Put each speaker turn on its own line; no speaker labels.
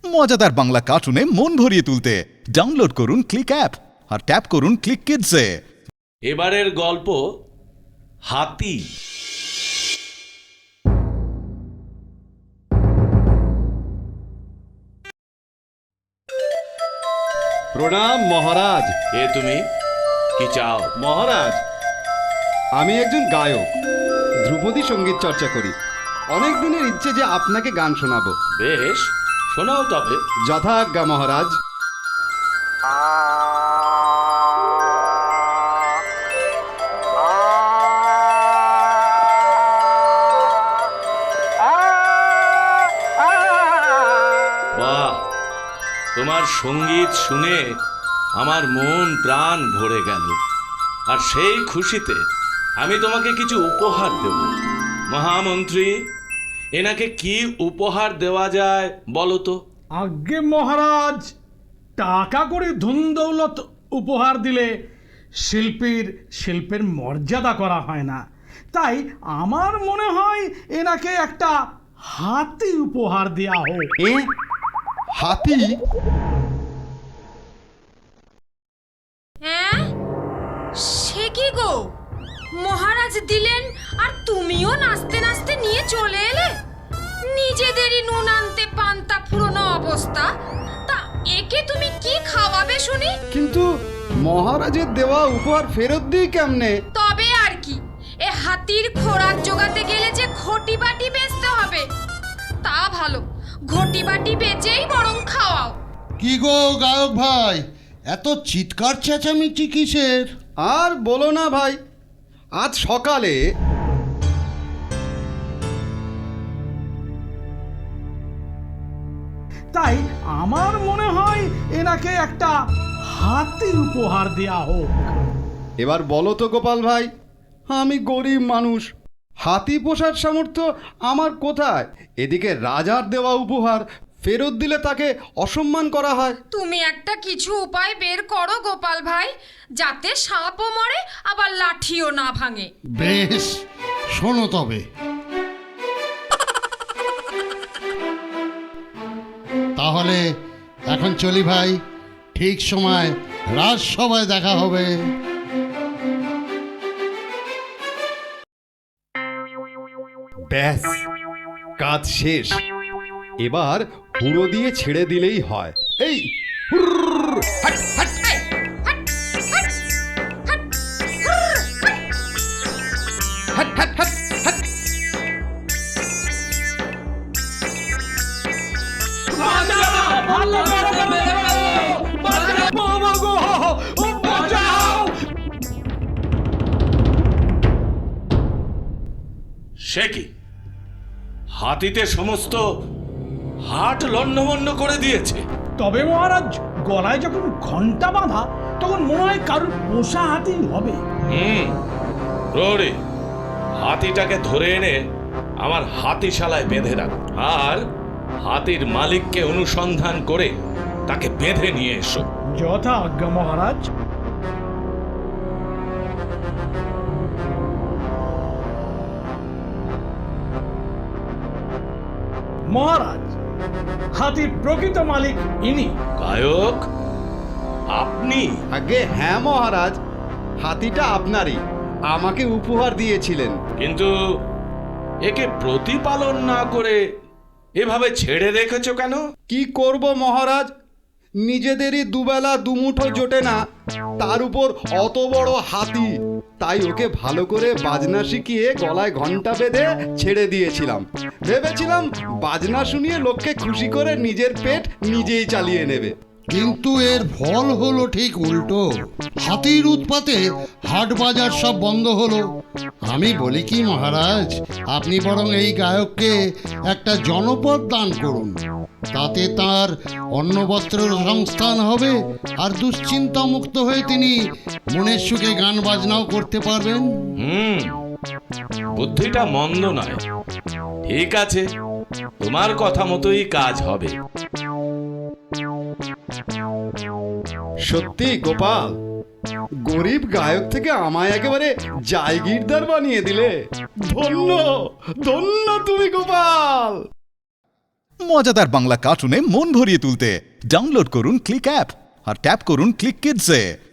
মজাদার বাংলা কার্টুনে মন ভরিয়ে তুলতে ডাউনলোড করুন ক্লিক অ্যাপ আর ট্যাপ করুন ক্লিক কিডসে।
এবারের গল্প হাতি।
প্রণাম মহারাজ।
এ তুমি কি চাও?
মহারাজ, আমি একজন গায়ক, ধ্রুপদী সঙ্গীত চর্চা করি। অনেক দিনের ইচ্ছে যে আপনাকে গান শোনাবো।
বেশ, শোনাও তবে।
যথাজ্ঞা মহারাজ।
বাহ, তোমার সঙ্গীত শুনে আমার মন প্রাণ ভরে গেল। আর সেই খুশিতে আমি তোমাকে কিছু উপহার দেব। মহামন্ত্রী, এনাকে কি উপহার দেওয়া যায় বলো তো?
আজ্ঞে মহারাজ, টাকা করে ধন দৌলত উপহার দিলে শিল্পের মর্যাদা করা হয় না। তাই আমার মনে হয় এনাকে একটা হাতি উপহার দেওয়া হোক।
হাতি?
হ্যাঁ, সে কি গো? মহারাজ দিলেন আর তুমিও নাচতে নাচতে নিয়ে চলে এলে। নিজেদেরই নুন আনতে পান্তা ফুরোনো অবস্থা, তা একে তুমি কি খাওয়াবে শুনি?
কিন্তু মহারাজের দেওয়া উপহার ফেরত দিই কেমনে?
তবে আর কি, এ হাতির খোরাক জোগাতে গেলে যে ঘটি বাটি বেচতে হবে। তা ভালো, ঘটি বাটি বেচেই বরং খাওয়াও।
কি গো গায়ক ভাই, এত চিৎকার চেঁচামেচি কিসের?
আর বলো না ভাই, আজ সকালে
তাই আমার মনে হয় এনাকে একটা হাতি উপহার দেওয়া হোক।
এবার বলো তো গোপাল ভাই, আমি গরিব মানুষ, হাতি পোষার সামর্থ্য আমার কোথায়? এদিকে রাজার দেওয়া উপহার ফেরত দিলে তাকে অসম্মান করা হয়।
তুমি একটা কিছু উপায় বের করো গোপাল ভাই, যাতে সাপও মরে আবার লাঠিও না ভাঙে।
বেশ, শোনো তবে। তাহলে এখন চলি ভাই, ঠিক সময় রাজসভায় দেখা হবে।
ব্যাস, কাজ শেষ। এবার হুড়ো দিয়ে ছেড়ে দিলেই হয়। এই হুরর, হাট, হাট, হাট, হাট, হাট, হাট।
বাবা গো, ও বাঁচাও!
সে কি, হাতিতে সমস্ত হাট লণ্ডভণ্ড করে দিয়েছে।
তবে মহারাজ, গলায় যখন ঘন্টা বাঁধা, তখন মনে হয় কারুর পোষা হাতি হবে।
প্রহরী, হাতিটাকে ধরে এনে আমার হাতিশালায় বেঁধে রাখো, আর হাতির মালিককে অনুসন্ধান করে তাকে বেঁধে নিয়ে এসো।
যথা আজ্ঞা মহারাজ। মহারাজ, হাতির প্রকৃত মালিক ইনি।
গায়ক আপনি?
আগে হ্যাঁ মহারাজ, হাতিটা আপনারই, আমাকে উপহার দিয়েছিলেন।
কিন্তু একে প্রতিপালন না করে এভাবে ছেড়ে রেখেছো কেন?
কি করব মহারাজ, নিজেদেরই দুবেলা দুমুঠো জোটে না, তার উপর অত বড় হাতি। তাই ওকে ভালো করে বাজনা শিখিয়ে গলায় ঘন্টা বেঁধে ছেড়ে দিয়েছিলাম। ভেবেছিলাম বাজনা শুনিয়ে লোককে খুশি করে নিজের পেট নিজেই চালিয়ে নেবে।
কিন্তু এর ফল হলো ঠিক উল্টো। হাতির উৎপাতে হাট বাজার সব বন্ধ হলো। আমি বলি কি মহারাজ, আপনি বরং এই গায়ককে একটা জনপদ দান করুন। তাতে তার অন্ন বস্ত্রের সংস্থান হবে, আর দুশ্চিন্তা মুক্ত হয়ে তিনি মনের সুখে গান বাজনাও করতে পারবেন।
বুদ্ধিটা মন্দ নয়। ঠিক আছে, তোমার কথা মতোই কাজ হবে।
সত্যি গোপাল, গরিব গায়ক থেকে আমায় একেবারে জায়গিরদার বানিয়ে দিলে। ধন্য ধন্য তুমি গোপাল।
মজাদার বাংলা কার্টুনে মন ভরিয়ে তুলতে ডাউনলোড করুন ক্লিক অ্যাপ আর ট্যাপ করুন ক্লিক কিডসে।